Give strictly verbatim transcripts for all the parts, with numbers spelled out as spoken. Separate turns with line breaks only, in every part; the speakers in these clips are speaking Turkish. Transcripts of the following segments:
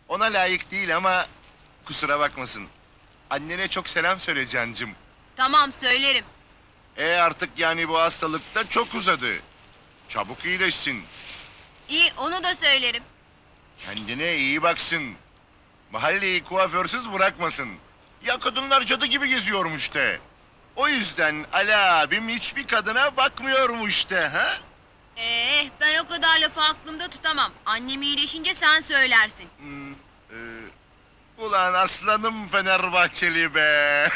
Ona layık değil ama kusura bakmasın. Annene çok selam söyle cancım.
Tamam söylerim.
E artık yani bu hastalık da çok uzadı. Çabuk iyileşsin.
İyi onu da söylerim.
Kendine iyi baksın. Mahalleyi kuaförsüz bırakmasın. Ya kadınlar cadı gibi geziyormuş de. O yüzden Ali abim hiçbir kadına bakmıyormuş de ha?
Ee, ben o kadar lafı aklımda tutamam. Annem iyileşince sen söylersin.
Hmm, e, ulan aslanım Fenerbahçeli be.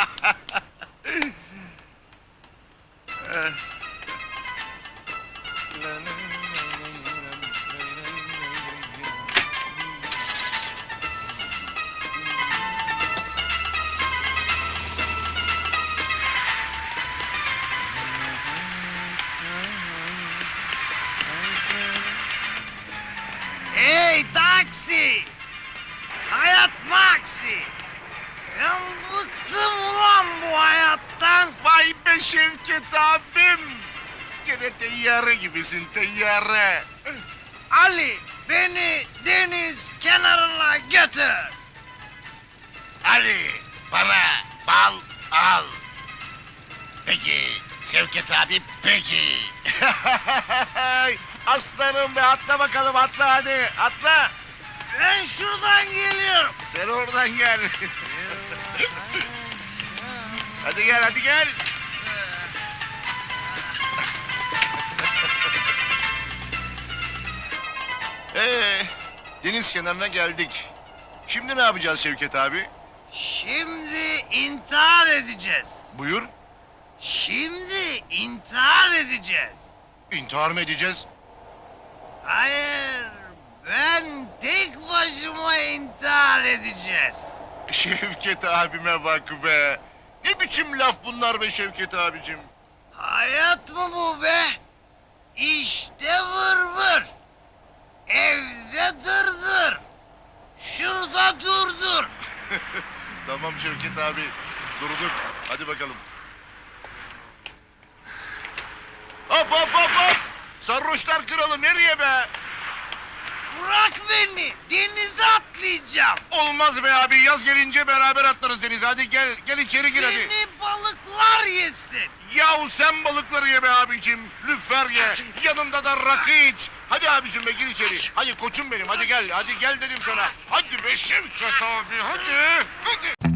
Hey taksi! Hayat maksi! Ben bıktım ulan bu hayattan.
Vay be Şevket abim. Gene teyyare gibisin teyyare.
Ali beni deniz kenarına götür.
Ali para bal al. Peki Şevket abi peki. Aslanım be atla bakalım atla hadi atla.
Ben şuradan geliyorum.
Sen oradan gel. Hadi gel hadi gel. Ee, deniz kenarına geldik. Şimdi ne yapacağız Şevket abi?
Şimdi intihar edeceğiz.
Buyur.
Şimdi intihar edeceğiz.
İntihar mı edeceğiz?
Hayır, ben tek başıma intihar edeceğiz.
Şevket abime bak be. Ne biçim laf bunlar be Şevket abicim?
Hayat mı bu be? İşte vır vır. Evde dırdır. Şurada durdur.
Tamam Şevket abi. Durduk. Hadi bakalım. Hop hop hop hop. Sarhoşlar kralı nereye be?
Bırak beni. Denize atlayacağım.
Olmaz be abi. Yaz gelince beraber atlarız denize. Hadi gel. Gel içeri gir hadi.
Beni balıklar yesin.
Yahu sen balıkları ye be abicim. Lüfer ye. Yanında da rakı iç. Hadi abicim be gir içeri. Hadi koçum benim. Hadi gel. Hadi gel dedim sana. Hadi be Şevket abi. Hadi. Hadi.